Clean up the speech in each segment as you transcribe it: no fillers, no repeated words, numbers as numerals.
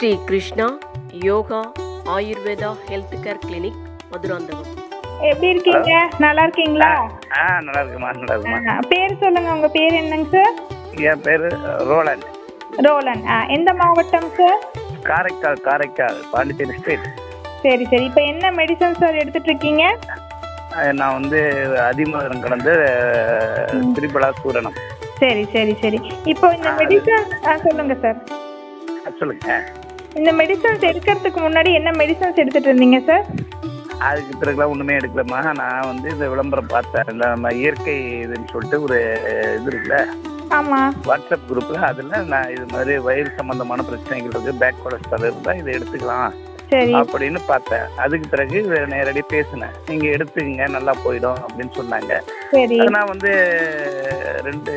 Sri Krishna Yoga Ayurveda health care clinic Madurantakam. எப்படி இருக்கீங்க? நல்லா இருக்கீங்களா? நல்லா இருக்குமா, நல்லா இருக்குமா. பேர் சொல்லுங்க, உங்க பேர் என்னங்க சார்? என் பேரு ரோலன். ரோலன். எந்த மாவட்டம் சார்? காரைக்கால் பாண்டிச்சேரி ஸ்டேட். சரி சரி. இப்போ என்ன மெடிசன் சார் எடுத்துட்டு இருக்கீங்க? நான் வந்து அதிமதுரம் கலந்து திரிபலா சூரணம். சரி சரி சரி. இப்போ இந்த மெடிசன் சொல்லுங்க சார். சொல்லுங்க. இந்த மெடிசன்ஸ் எடுக்கிறதுக்கு முன்னாடி என்ன மெடிசன்ஸ் எடுத்துட்டு இருந்தீங்க சார்? அதுக்கு பிறகுலாம் ஒன்றுமே எடுக்கலம்மா. நான் வந்து இந்த விளம்பரம் பார்த்தேன். இந்த நம்ம இயற்கை இதுன்னு சொல்லிட்டு ஒரு இது இருக்குல்ல, ஆமாம், வாட்ஸ்அப் குரூப்பில். அதில் நான் இது மாதிரி வயிறு சம்மந்தமான பிரச்சனைகள் இருக்குது, பேக் கொலஸ்ட்ரால் இருந்தால் இதை எடுத்துக்கலாம் சரி அப்படின்னு பார்த்தேன். அதுக்கு பிறகு நேரடியாக பேசினேன். நீங்கள் எடுத்துக்கங்க, நல்லா போயிடும் அப்படின்னு சொன்னாங்க. சரி. நான் வந்து 2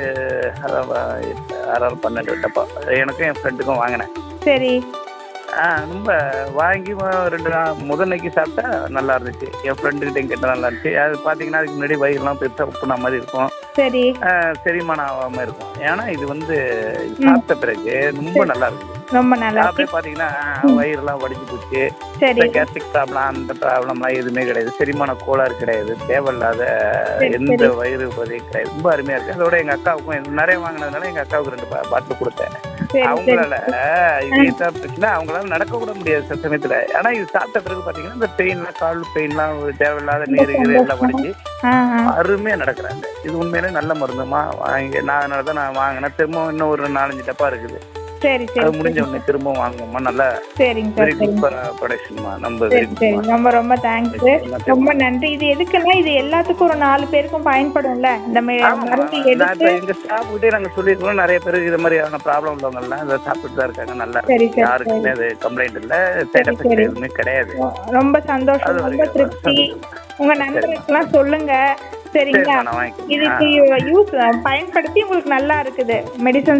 6 12 டப்பா எனக்கும் என் ஃப்ரெண்டுக்கும் வாங்கினேன். சரி. ரொம்ப வாங்கி 2 நாள் முதன்னைக்கு சாப்பிட்டா நல்லா இருந்துச்சு. என் ஃப்ரெண்டுக்கிட்டையும் கேட்டால் நல்லா இருந்துச்சு. அது பார்த்தீங்கன்னா அதுக்கு முன்னாடி வயிறுலாம் பெருசாக உப்புனா மாதிரி இருக்கும், சரி. செரிமானம் ஆகாமல் இருக்கும். ஏன்னா இது வந்து சாப்பிட்ட பிறகு ரொம்ப நல்லா இருக்குது. ரொம்ப நல்லா அப்படியே பார்த்தீங்கன்னா வயிறுலாம் வடிஞ்சு போச்சு. சரி கேஸ்ட்ரிக் ப்ராப்ளம் அந்த ப்ராப்ளம்லாம் எதுவுமே கிடையாது. செரிமான கோளாறு கிடையாது. தேவையில்லாத எந்த வயிறு உபதி கிடையாது. ரொம்ப அருமையாக இருக்குது. அதோட எங்கள் அக்காவுக்கும் நிறைய வாங்கினதுனால எங்கள் அக்காவுக்கு 2 பாட்டில் கொடுத்தேன். அவங்களால இதுதான் பிரச்சனை, அவங்களால நடக்க கூட முடியாது சில சமயத்துல. ஆனா இது சாப்பிட்ட பிறகு பாத்தீங்கன்னா இந்த பெயின்லாம், கால் பெயின்லாம், தேவையில்லாத நீர் எல்லாம் வடிஞ்சு அருமையா நடக்கிறாங்க. இது உண்மையிலே நல்ல மருந்துமா. நான் அதனாலதான் நான் வாங்கினேன். திரும்ப இன்னும் ஒரு 4-5 டப்பா இருக்குது. சரி சரி. அது முடிஞ்ச உடனே திரும்ப வாங்குவோமா. நல்லா சரிங்க வெரி சார். குட் ப்ரொடக்ஷன்மா. நம்ம சரி சரி. ரொம்ப ரொம்ப தேங்க்ஸ், ரொம்ப நன்றி. இது எதுக்குன்னா இது எல்லாத்துக்கும் ஒரு 4 பேருக்கும் பயன்படும்ல இந்த மருந்து எடுத்து. எங்க ஸ்டாஃப் கிட்டே நாங்க சொல்லிருக்கோம். நிறைய பேருக்கு இது மாதிரியான ப்ராப்ளம் உள்ளவங்க எல்லாம் இதை சாப்பிட்டு தான் இருக்காங்க. நல்லா யாருக்குமே அது கம்ப்ளைண்ட் இல்ல, சைட் எஃபெக்ட் எதுவுமே கிடையாது. ரொம்ப சந்தோஷம், ரொம்ப திருப்தி. உங்க நண்பர்களுக்கெல்லாம் சொல்லுங்க, சரிங்களா? இதுக்கு யூஸ் பயன்படுத்தி உங்களுக்கு நல்லா இருக்குது மெடிசன்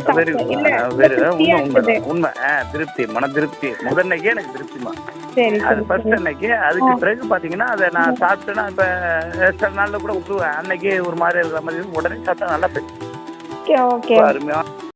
உண்மை திருப்தி, மன திருப்தி. முதன்னைக்கே எனக்கு திருப்திமா. சரி. அது ஃபர்ஸ்ட் அன்னைக்கு. அதுக்கு பிறகு பாத்தீங்கன்னா அதை நான் சாப்பிட்டேன்னா இப்ப சில நாள்ல கூட விட்டுருவேன். அன்னைக்கு ஒரு மாதிரி இருக்கிற மாதிரி உடனே சாப்பிட்டா நல்லா போயிடுச்சு. ஓகே, அருமையா.